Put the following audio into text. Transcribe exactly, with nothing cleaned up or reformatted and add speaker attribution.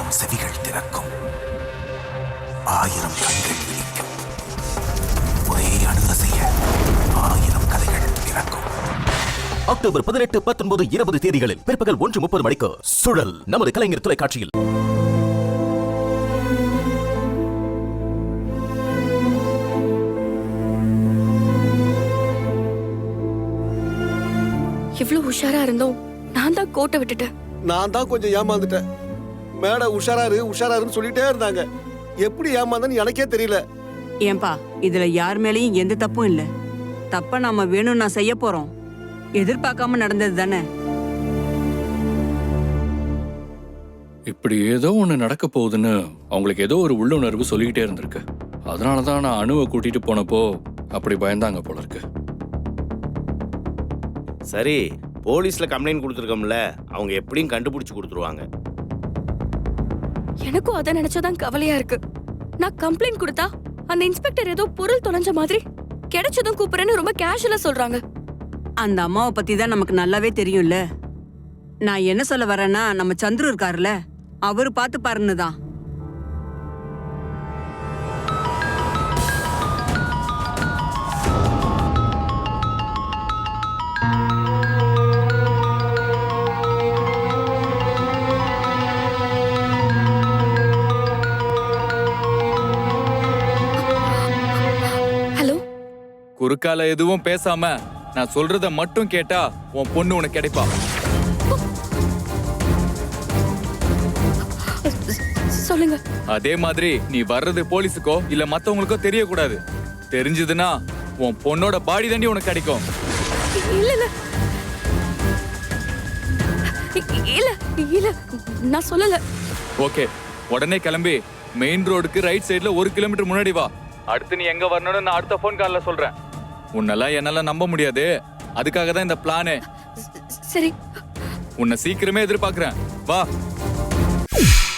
Speaker 1: ஆயிரம் செவிகள் திறக்கும், ஆயிரம் கண்கள் விழிக்கும், ஒரே அணுக செய்ய ஆயிரம் கதைகள் பிறக்கும். அக்டோபர் பதினெட்டு பத்தொன்பது இருபது தேதிகளில் பிற்பகல் ஒன்று முப்பது மணிக்கு சுழல் நமது கலைஞர் தொலைக்காட்சியில்.
Speaker 2: இவ்வளவு உஷாரா இருந்தோம், நான் தான் கோட்டை விட்டுட்டேன்.
Speaker 3: நான் தான் கொஞ்சம் ஏமாந்துட்டேன். மேடம் உஷாராரு உஷாராருன்னு சொல்லிட்டே இருந்தாங்க. எப்படி ஏமாந்தன்னு எனக்கே தெரியல.
Speaker 4: ஏன்பா, இதுல யார் மேலேயும் எந்த தப்பும் இல்ல. தப்ப நாம வேணும் நான் செய்ய போறோம். எதிர்பார்க்காம நடந்தது தானே.
Speaker 5: இப்படி ஏதோ ஒண்ணு நடக்க போகுதுன்னு அவங்களுக்கு ஏதோ ஒரு உள்ளுணர்வு சொல்லிக்கிட்டே இருந்திருக்கு. அதனாலதான் நான் அணுவை கூட்டிட்டு போனப்போ அப்படி பயந்தாங்க போல இருக்கு.
Speaker 6: சரி, போலீஸ்ல கம்ப்ளைண்ட் கொடுத்துருக்கோம்ல, அவங்க எப்படியும் கண்டுபிடிச்சு கொடுத்துருவாங்க.
Speaker 2: எனக்கும் அதை நினைச்சதான் கவலையா இருக்கு. நான் கம்ப்ளைண்ட் கொடுத்தா அந்த இன்ஸ்பெக்டர் ஏதோ பொருள் தொலைஞ்ச மாதிரி கிடைச்சதும் கூப்பிடுறேன்னு ரொம்ப கேஷுவலா சொல்றாங்க.
Speaker 4: அந்த அம்மாவை பத்தி தான் நமக்கு நல்லாவே தெரியும்ல. நான் என்ன சொல்ல வரேன்னா, நம்ம சந்துரு இருக்காருல்ல, அவரு பார்த்து பாருன்னு தான்.
Speaker 2: ஹலோ,
Speaker 7: குறுக்கால எதுவும் பேசாம நான் சொல்றத மட்டும் கேட்டா உன் பொண்ணு உனக்கு கிடைப்பா.
Speaker 2: சொல்லுங்க.
Speaker 7: அதே மாதிரி நீ வர்றது போலீஸுக்கோ இல்ல மத்தவங்களுக்கோ தெரியக்கூடாது. தெரிஞ்சதுன்னா உன் பொண்ணோட பாடி தாண்டி உனக்கு கிடைக்கும்.
Speaker 2: இல்ல இல்ல இல்ல இல்ல நான் சொல்லல.
Speaker 7: ஓகே, உடனே கிளம்பி மெயின் ரோடுக்கு ரைட் சைடுல ஒரு கிலோமீட்டர் முன்னாடி வா. அடுத்து நீ எங்க வரணும்னு நான் அடுத்த போன் கால்ல சொல்றேன். உன்னெல்லாம் என்னால நம்ப முடியாது. அதுக்காக தான் இந்த பிளானு.
Speaker 2: சரி,
Speaker 7: உன்னை சீக்கிரமே எதிர்பார்க்கிறேன். வா.